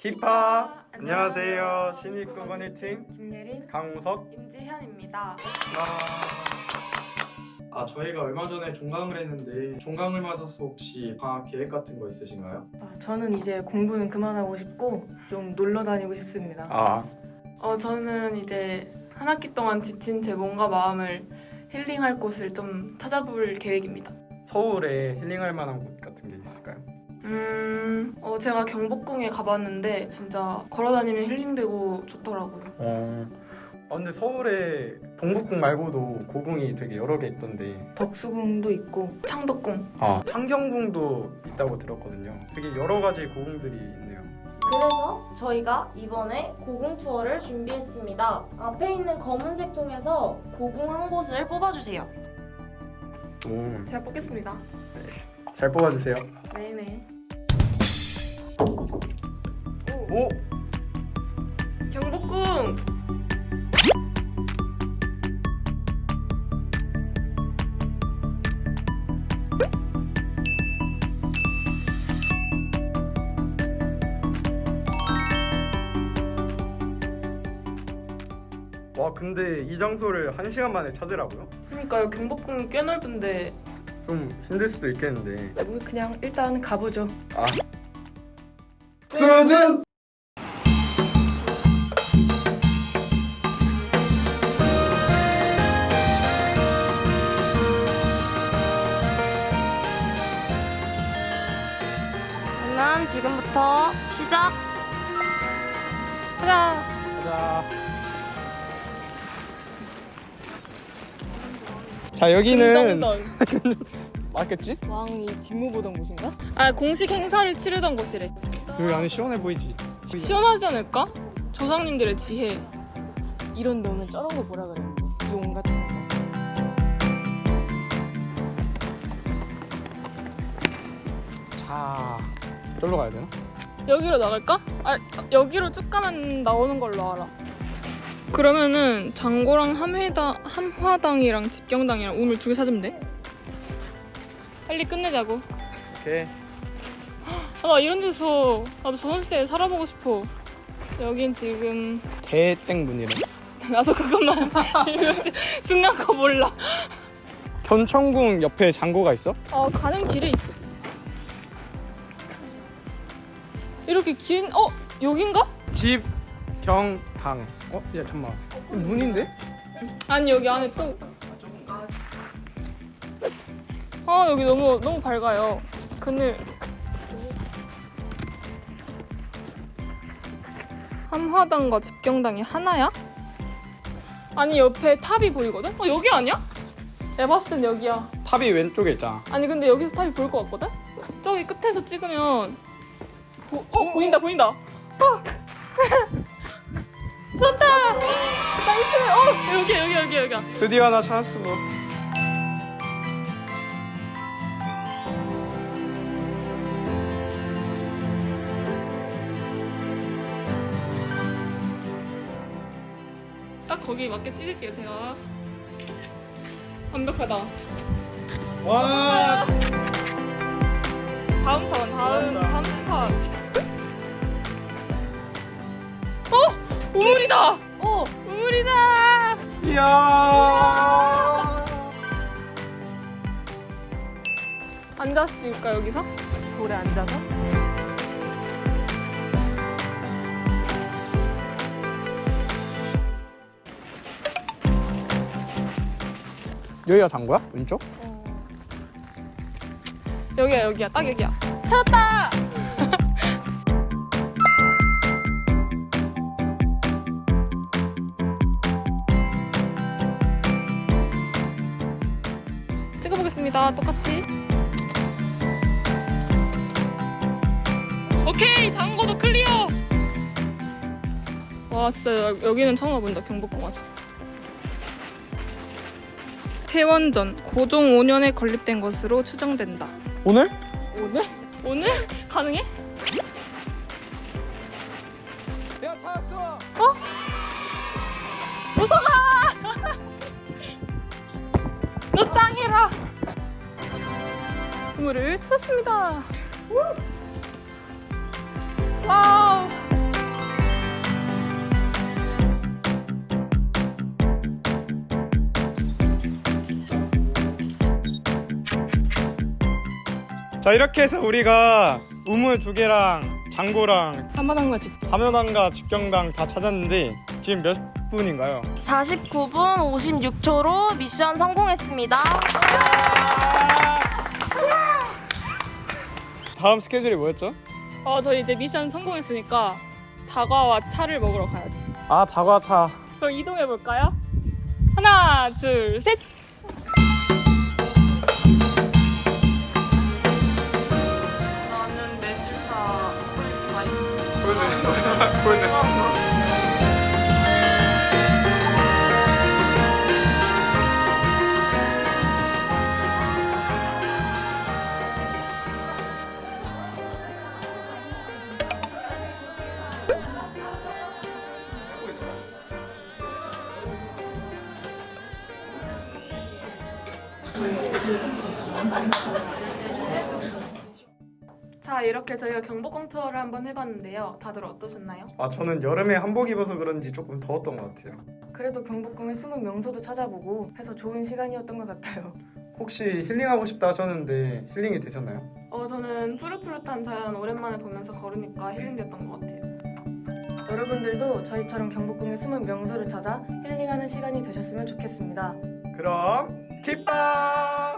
키파 안녕하세요. 신입국원 1팀 김예린, 강우석. 임지현입니다. 저희가 얼마 전에 종강을 했는데 종강을 맞아서 혹시 방학 계획 같은 거 있으신가요? 저는 이제 공부는 그만하고 싶고 좀 놀러 다니고 싶습니다. 저는 이제 한 학기 동안 지친 제 몸과 마음을 힐링할 곳을 좀 찾아볼 계획입니다. 서울에 힐링할 만한 곳 같은 게 있을까요? 제가 경복궁에 가봤는데 진짜 걸어다니면 힐링되고 좋더라고요. 근데 서울에 동북궁 말고도 고궁이 되게 여러 개 있던데 덕수궁도 있고 창덕궁. 창경궁도 있다고 들었거든요. 되게 여러 가지 고궁들이 있네요. 그래서 저희가 이번에 고궁 투어를 준비했습니다. 앞에 있는 검은색 통에서 고궁 한 곳을 뽑아주세요. 제가 뽑겠습니다. 잘 뽑아주세요. 네네. 오! 경복궁! 와, 근데 이 장소를 1시간 만에 찾으라고요? 그러니까요, 경복궁이 꽤 넓은데 좀 힘들 수도 있겠는데. 그냥 일단 가보죠. 뜨든! 그러면 지금부터 시작! 가자! 가자. 자, 여기는 맞겠지? 왕이 직무 보던 곳인가? 공식 행사를 치르던 곳이래. 여기 안에 시원해 보이지? 시원하지 않을까? 조상님들의 지혜. 이런 데 오면 저런 거 뭐라 그랬는데? 용 같은 거. 자, 저기로 가야 되나? 여기로 나갈까? 여기로 쭉 가면 나오는 걸로 알아. 그러면은 장고랑 함화당이랑 집경당이랑 우물 2개 찾으면 돼. 빨리 끝내자고. 오케이. 나 이런 데서 나도 조선시대에 살아보고 싶어. 여긴 지금 대땡문이래. 나도 그것만 중요한 거 몰라. 견천궁 옆에 장고가 있어? 가는 길에 있어. 이렇게 긴 여긴가? 집경당. 야, 잠깐만. 문인데? 아니 여기 안에 또. 여기 너무 밝아요. 그늘. 함화당과 집경당이 하나야? 아니 옆에 탑이 보이거든? 여기 아니야? 내가 봤을 땐 여기야. 탑이 왼쪽에 있잖아. 아니 근데 여기서 탑이 보일 것 같거든? 저기 끝에서 찍으면 보인다. 쏜다! 나이스! 여기야. 드디어 하나 찾았어. 딱 거기 맞게 찍을게요 제가. 완벽하다. 와! 다음 스팟. 우물이다! 우물이다! 이야! 앉아서 찍을까 여기서? 돌에 앉아서? 여기가 장고야? 왼쪽? 여기야 딱 여기야. 찾았다! 찍어보겠습니다. 똑같이. 오케이! 장고도 클리어! 와 진짜 여기는 처음 와본다. 경복궁 와서. 태원전 고종 5년에 건립된 것으로 추정된다. 오늘? 오늘? 가능해? 내가 찾았어! 무서워! 너 짱이라! 우물을 찾았습니다. 와우! 자, 이렇게 해서 우리가 우물 2개랑 장고랑 한마당과 집. 함연항과 집경당 다 찾았는데 지금 몇 분인가요? 49분 56초로 미션 성공했습니다. 다음 스케줄이 뭐였죠? 저희 이제 미션 성공했으니까 다과와 차를 먹으러 가야죠. 아, 다과차. 그럼 이동해 볼까요? 하나, 둘, 셋. 나는 매실차 콜드. 자, 이렇게 저희가 경복궁 투어를 한번 해봤는데요. 다들 어떠셨나요? 아, 저는 여름에 한복 입어서 그런지 조금 더웠던 것 같아요. 그래도 경복궁의 숨은 명소도 찾아보고 해서 좋은 시간이었던 것 같아요. 혹시 힐링하고 싶다 하셨는데 힐링이 되셨나요? 저는 푸릇푸릇한 자연 오랜만에 보면서 걸으니까 힐링됐던 것 같아요. 여러분들도 저희처럼 경복궁의 숨은 명소를 찾아 힐링하는 시간이 되셨으면 좋겠습니다. 그럼 kit밤!